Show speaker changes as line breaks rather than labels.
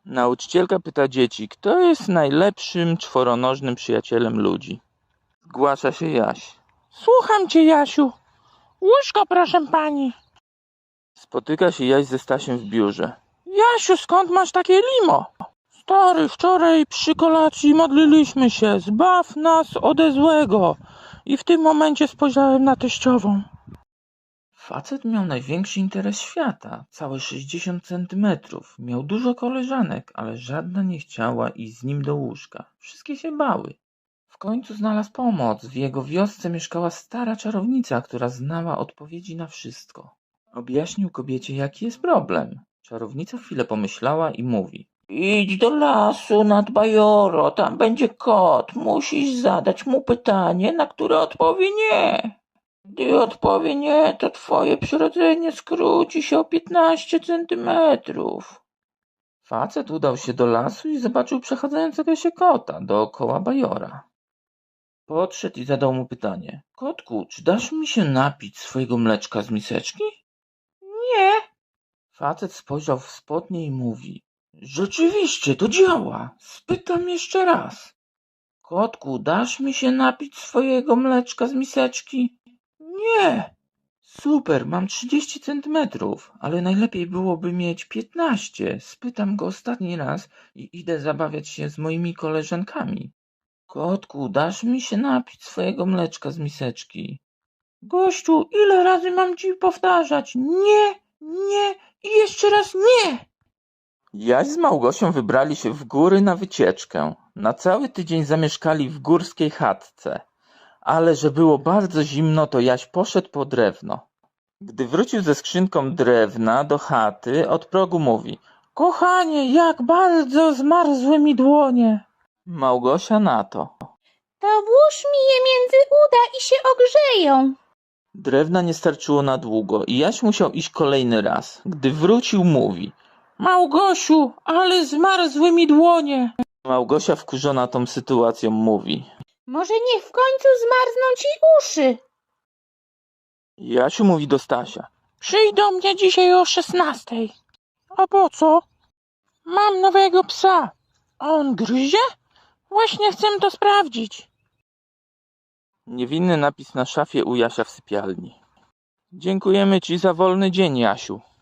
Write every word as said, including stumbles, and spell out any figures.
Nauczycielka pyta dzieci, kto jest najlepszym czworonożnym przyjacielem ludzi. Zgłasza się Jaś. Słucham cię, Jasiu. Łóżko, proszę pani. Spotyka się Jaś ze Stasiem w biurze. Jasiu, skąd masz takie limo? Stary, wczoraj przy kolacji modliliśmy się. Zbaw nas ode złego. I w tym momencie spojrzałem na teściową. Facet miał największy interes świata, całe sześćdziesiąt centymetrów. Miał dużo koleżanek, ale żadna nie chciała iść z nim do łóżka. Wszystkie się bały. W końcu znalazł pomoc. W jego wiosce mieszkała stara czarownica, która znała odpowiedzi na wszystko. Objaśnił kobiecie, jaki jest problem. Czarownica chwilę pomyślała i mówi. Idź do lasu nad Bajoro, tam będzie kot. Musisz zadać mu pytanie, na które odpowie nie. Gdy odpowie nie, to twoje przyrodzenie skróci się o piętnaście centymetrów. Facet udał się do lasu i zobaczył przechadzającego się kota dookoła bajora. Podszedł i zadał mu pytanie. Kotku, czy dasz mi się napić swojego mleczka z miseczki? Nie. Facet spojrzał w spodnie i mówi. Rzeczywiście, to działa. Spytam jeszcze raz. Kotku, dasz mi się napić swojego mleczka z miseczki? Nie. Super, mam trzydzieści centymetrów, ale najlepiej byłoby mieć piętnaście. Spytam go ostatni raz i idę zabawiać się z moimi koleżankami. Kotku, dasz mi się napić swojego mleczka z miseczki? Gościu, ile razy mam ci powtarzać? Nie, nie i jeszcze raz nie! Jaś z Małgosią wybrali się w góry na wycieczkę. Na cały tydzień zamieszkali w górskiej chatce. Ale że było bardzo zimno, to Jaś poszedł po drewno. Gdy wrócił ze skrzynką drewna do chaty, od progu mówi. Kochanie, jak bardzo zmarzły mi dłonie. Małgosia na to.
To włóż mi je między uda i się ogrzeją.
Drewna nie starczyło na długo i Jaś musiał iść kolejny raz. Gdy wrócił, mówi. Małgosiu, ale zmarzły mi dłonie. Małgosia wkurzona tą sytuacją mówi.
Może niech w końcu zmarzną ci uszy.
Jasiu mówi do Stasia. Przyjdź do mnie dzisiaj o szesnastej. A po co? Mam nowego psa. A on gryzie? Właśnie chcę to sprawdzić. Niewinny napis na szafie u Jasia w sypialni. Dziękujemy ci za wolny dzień, Jasiu.